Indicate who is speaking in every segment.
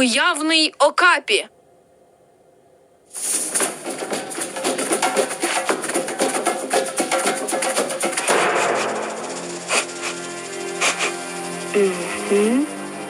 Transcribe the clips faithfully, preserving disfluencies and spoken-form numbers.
Speaker 1: Уявний окапі.
Speaker 2: Мгм.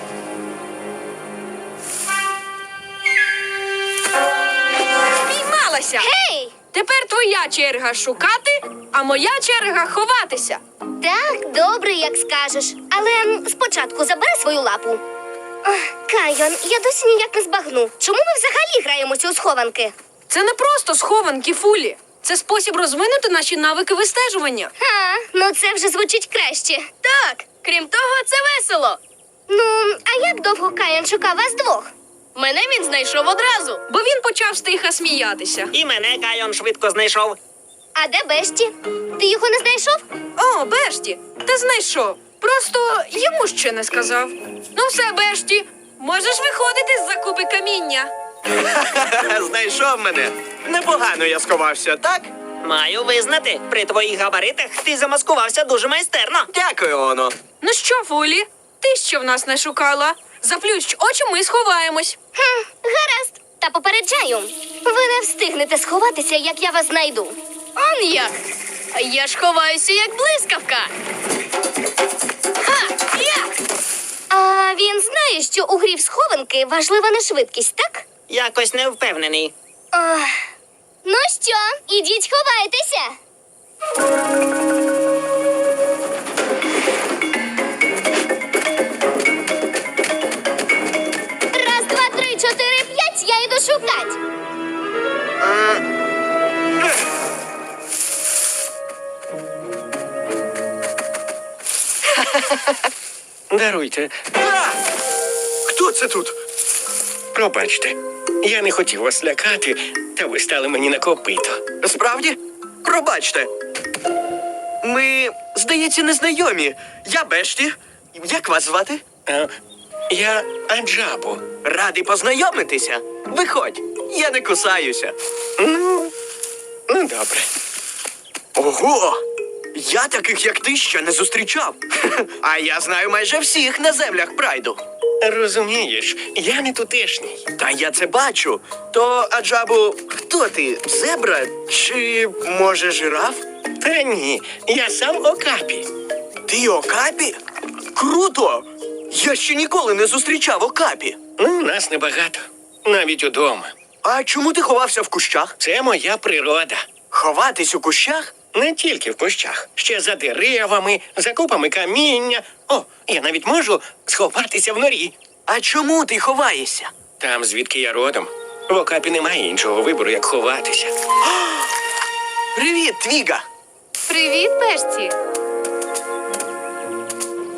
Speaker 1: Спіймалася!
Speaker 2: Гей!
Speaker 1: Тепер твоя черга шукати, а моя черга ховатися.
Speaker 2: Так, добре, як скажеш. Але м, спочатку забери свою лапу. Ах, Кайон, я досі ніяк не збагну. Чому ми взагалі граємося у схованки?
Speaker 1: Це не просто схованки, Фулі. Це спосіб розвинути наші навики вистежування.
Speaker 2: А, ну це вже звучить краще.
Speaker 3: Так, крім того, це весело.
Speaker 2: Ну, а як довго Кайон шукав вас двох?
Speaker 3: Мене він знайшов одразу.
Speaker 1: Бо він почав стиха сміятися.
Speaker 4: І мене Кайон швидко знайшов.
Speaker 2: А де Бешті? Ти його не знайшов?
Speaker 1: О, Бешті, ти знайшов. Просто йому ще не сказав. Ну все, Бешті, можеш виходити з закупи каміння.
Speaker 5: Знайшов мене. Непогано я сховався, так?
Speaker 4: Маю визнати, при твоїх габаритах ти замаскувався дуже майстерно.
Speaker 5: Дякую, Оно.
Speaker 1: Ну що, Фулі, ти що в нас не шукала? Заплющ очі, ми сховаємось.
Speaker 2: Хм, гаразд. Та попереджаю. Ви не встигнете сховатися, як я вас знайду.
Speaker 3: Он як. Я ж ховаюся, як блискавка. Ха! Я!
Speaker 2: А він знає, що у грі в схованки важлива не швидкість, так?
Speaker 4: Якось не впевнений.
Speaker 2: Ох. Ну що, ідіть ховайтеся. Раз, два, три, чотири, п'ять, я йду шукать.
Speaker 6: Даруйте,
Speaker 5: А! Хто це тут?
Speaker 6: пробачте. Я не хотів вас лякати, та ви стали мені на копито.
Speaker 5: Справді? Пробачте. Ми, здається, незнайомі. Я Бешті. Як вас звати?
Speaker 6: А, я Аджабу.
Speaker 5: Радий познайомитися. Виходь, я не кусаюся.
Speaker 6: Ну, ну добре.
Speaker 5: Ого! Я таких, як ти, ще не зустрічав. А я знаю майже всіх на землях Прайду.
Speaker 6: Розумієш, я не тутешній.
Speaker 5: Та я це бачу. То, Аджабу, хто ти? Зебра? Чи, може, жираф?
Speaker 6: Та ні, я сам Окапі.
Speaker 5: Ти Окапі? Круто! Я ще ніколи не зустрічав Окапі.
Speaker 6: Ну, нас небагато. Навіть удома.
Speaker 5: А чому ти ховався в кущах?
Speaker 6: Це моя природа.
Speaker 5: Ховатись у кущах?
Speaker 6: Не тільки в кущах, ще за деревами, за купами каміння. О, я навіть можу сховатися в норі.
Speaker 5: А чому ти ховаєшся?
Speaker 6: Там, звідки я родом, в Окапі немає іншого вибору, як ховатися.
Speaker 5: Привіт, Твіга!
Speaker 3: Привіт, Бешті.